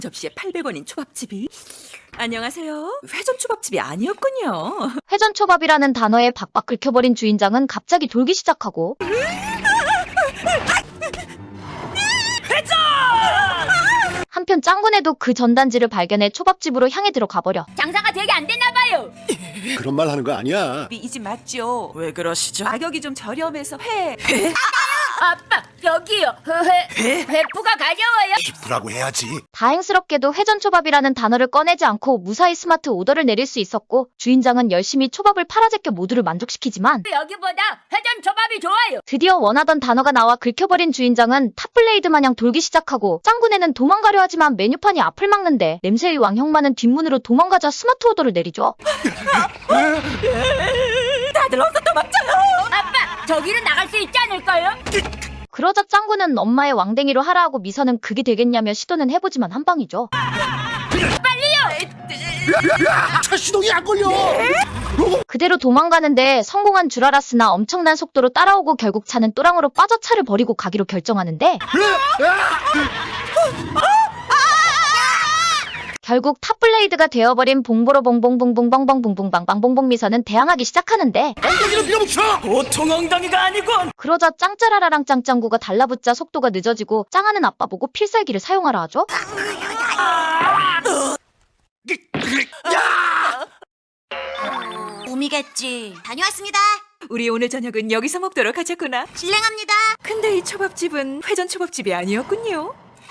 접시에 800원인 초밥집이. 안녕하세요. 회전 초밥집이 아니었군요. 회전초밥이라는 단어에 박박 긁혀버린 주인장은 갑자기 돌기 시작하고 회전! 한편 짱구네도 그 전단지를 발견해 초밥집으로 향해 들어가버려. 장사가 되게 안 됐나 봐요. 그런 말 하는 거 아니야. 이 집 맞죠? 왜 그러시죠? 가격이 좀 저렴해서 회. 아빠 여기요. 회프가 가져와요. 기쁘라고 해야지. 다행스럽게도 회전초밥이라는 단어를 꺼내지 않고 무사히 스마트 오더를 내릴 수 있었고 주인장은 열심히 초밥을 팔아제껴 모두를 만족시키지만 여기보다 회전 초밥이 좋아요. 드디어 원하던 단어가 나와 긁혀버린 주인장은 탑블레이드 마냥 돌기 시작하고 짱구네는 도망가려 하지만 메뉴판이 앞을 막는데 냄새의 왕 형만은 뒷문으로 도망가자 스마트 오더를 내리죠. 다들 어서 도망쳐요! 아빠 저기는 나갈 수 있지 않을까요? 그러자 짱구는 엄마의 왕댕이로 하라 하고 미선은 그게 되겠냐며 시도는 해보지만 한 방이죠. 차 시동이 안 걸려. 그대로 도망가는데 성공한 줄 알았으나 엄청난 속도로 따라오고 결국 차는 또랑으로 빠져 차를 버리고 가기로 결정하는데 결국 탑블레이드가 되어버린 봉보로봉봉봉봉봉봉봉봉방봉봉 미선은 대항하기 시작하는데 엉덩이를 밀어붙여. 보통 엉덩이가 아니군! 그러자 짱짜라라랑 짱짱구가 달라붙자 속도가 늦어지고 짱하는 아빠 보고 필살기를 사용하라 하죠. 봄이겠지. 다녀왔습니다. 우리 오늘 저녁은 여기서 먹도록 하자꾸나. 실례합니다. 근데 이 초밥집은 회전 초밥집이 아니었군요.